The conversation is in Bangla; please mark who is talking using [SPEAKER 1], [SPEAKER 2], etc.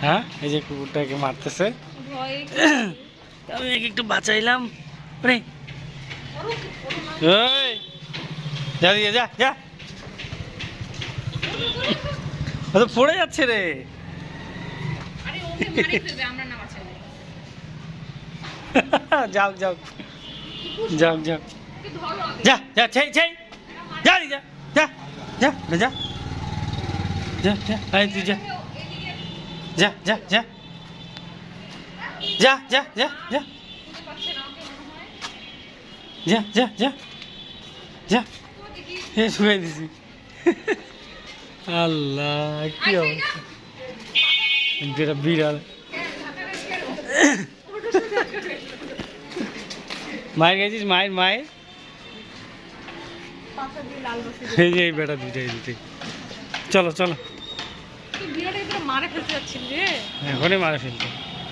[SPEAKER 1] হ্যাঁ এই যে কুকুরটাকে মারতেছে, আমি একটু বাঁচাইলাম। রে যা দিয়ে যা যা, তো পড়ে যাচ্ছে রে। যাও যাও যাও যাও যা যা ছেই ছেই যা যা যা যা যা যা যা আয় তুই যা যা যা যা যা যা যা যা যা যা যা যা হে শুয়ে দিছি। আল্লাহ কি অবস্থা, যেটা বিড়াল। মায়ের গেছিস, মায়ের মায়ের এই যে এই বেটা দুইটাই দুইটাই। চলো চলো,
[SPEAKER 2] মারে ফেলতে যাচ্ছিল রে,
[SPEAKER 1] এখনই মারে ফেলতো।